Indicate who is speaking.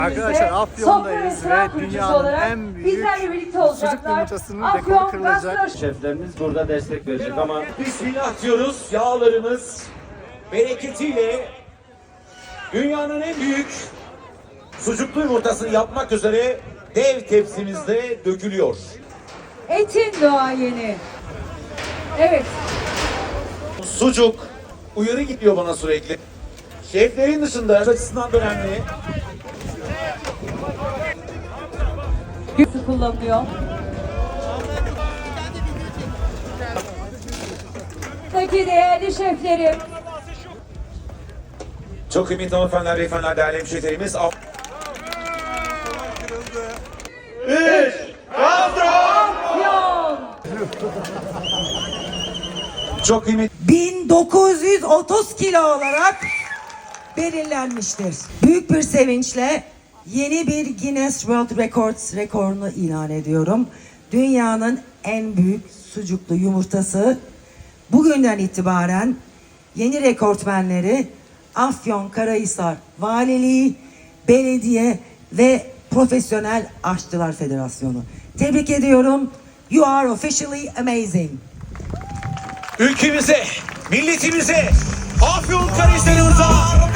Speaker 1: Arkadaşlar Afyon'dayız ve dünyanın en büyük sucuk yumurtasının rekoru kırılacak.
Speaker 2: Şeflerimiz burada destek verecek ama bismillah diyoruz. Yağlarımız bereketiyle dünyanın en büyük sucuklu yumurtasını yapmak üzere dev tepsimizde dökülüyor.
Speaker 3: Etin doğayeni. Evet.
Speaker 2: Sucuk uyarı gidiyor bana sürekli. Şeflerin dışında açısından da önemli.
Speaker 3: Kullanılıyor. Peki değerli şeflerim.
Speaker 2: Çok kıymetli hanımefendiler, beyefendiler, değerli hemşehrilerimiz.
Speaker 3: Afyon.
Speaker 2: Çok kıymetli.
Speaker 4: 1930 kilo olarak belirlenmiştir. Büyük bir sevinçle yeni bir Guinness World Records rekorunu ilan ediyorum. Dünyanın en büyük sucuklu yumurtası bugünden itibaren yeni rekortmenleri Afyonkarahisar Valiliği, Belediye ve Profesyonel Aşçılar Federasyonu. Tebrik ediyorum. You are officially amazing.
Speaker 2: Ülkemize, milletimize, Afyonkarahisar'ımıza